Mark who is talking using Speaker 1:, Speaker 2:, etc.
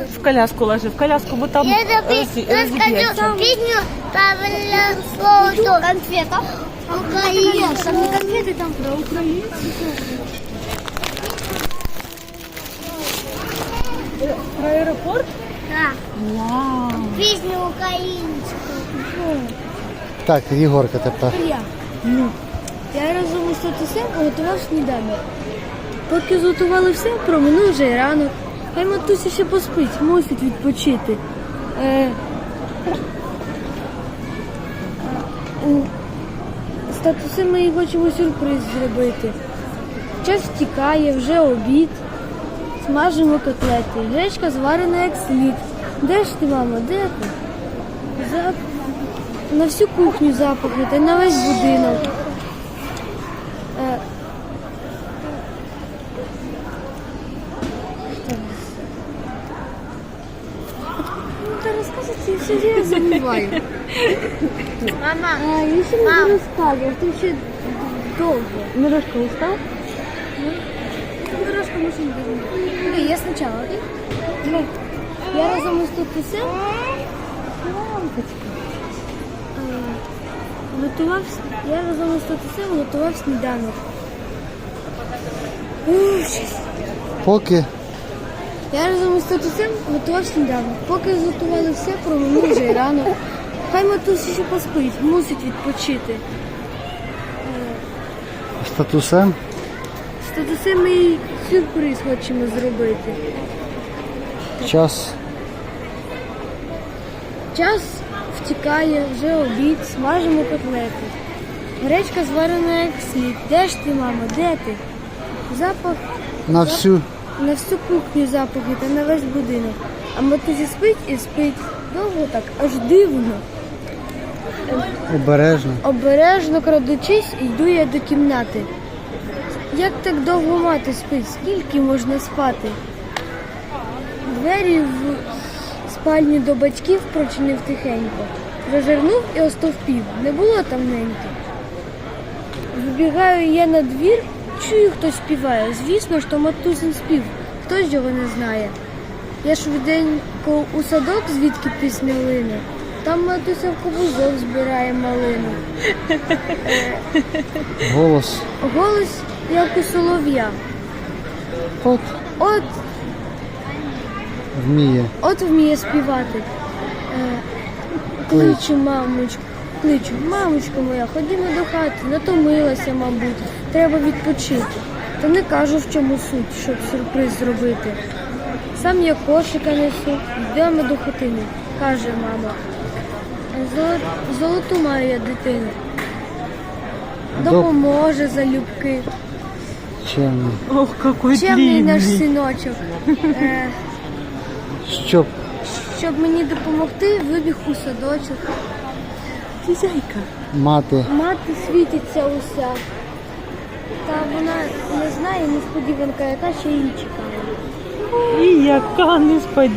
Speaker 1: В коляску ложи, в коляску, бо там разобьется.
Speaker 2: Песню правильно слово. Конфета. Украина. Там не конфеты, там про украинцев.
Speaker 1: Про аэропорт?
Speaker 2: Да.
Speaker 1: Вау.
Speaker 2: Песню українську.
Speaker 3: Так, Єгорка тепер.
Speaker 4: Я разом із татусем готував сніданок. Поки зготували все, проминув вже й ранок. Хай матуся ще поспить, мусить відпочити. З татусем ми хочемо сюрприз зробити. Час втікає, вже обід. Смажимо котлети. Гречка зварена як слід. Де ж ти, мамо, де ти? На всю кухню запахи та й на весь будинок. Розказувати, я все время забуваю.
Speaker 2: Мама.
Speaker 4: Я ще не розказував, ти ще довго.
Speaker 1: Мирошка устал?
Speaker 4: Дорожка машина. Я спочатку, окей? Я разом із татусем я разом із татусем готував сніданок.
Speaker 3: Поки
Speaker 4: Я разом із татусем готував сніданок. Поки зготували все, проминув вже й ранок. Хай матуся ще поспить, мусить відпочити.
Speaker 3: з татусем.
Speaker 4: З татусем ми їй сюрприз хочемо зробити. Час втікає, вже обід, смажимо котлети. Гречка зварена як слід. Де ж ти, мамо, де ти? Запах
Speaker 3: На всю.
Speaker 4: на всю кухню запахи та на весь будинок. А матуся спить і спить. Довго так, аж дивно.
Speaker 3: Обережно.
Speaker 4: Обережно крадучись, йду я до кімнати. Як так довго мати спить? Скільки можна спати? Двері в спальню до батьків прочинив тихенько. Зазирнув і остовпів. Не було там неньки. Вибігаю я на двір, чую, хтось співає. Звісно ж, то матусин спів. Хтось його не знає. Я швиденько у садок, звідки пісня лине. Там матуся в кобузок збирає малину.
Speaker 3: Голос.
Speaker 4: Голос, як у солов'я.
Speaker 3: От вміє.
Speaker 4: От вміє співати. Кличу, мамочко моя, ходімо до хати, натомилася, мабуть, треба відпочити. Та не кажу, в чому суть, щоб сюрприз зробити. Сам я кошика несу, йдемо до хатини, каже мама. Золоту маю я дитину. Допоможе залюбки.
Speaker 3: Чемний.
Speaker 1: Ох, какой
Speaker 4: Чемний наш
Speaker 1: длинный.
Speaker 4: синочок. Щоб мені допомогти, вибіг у садочок.
Speaker 1: Хозяйка.
Speaker 3: Мати.
Speaker 4: Мати світиться уся. Та вона не знає, несподіванка, яка ще її чекає.
Speaker 1: І яка несподіванка.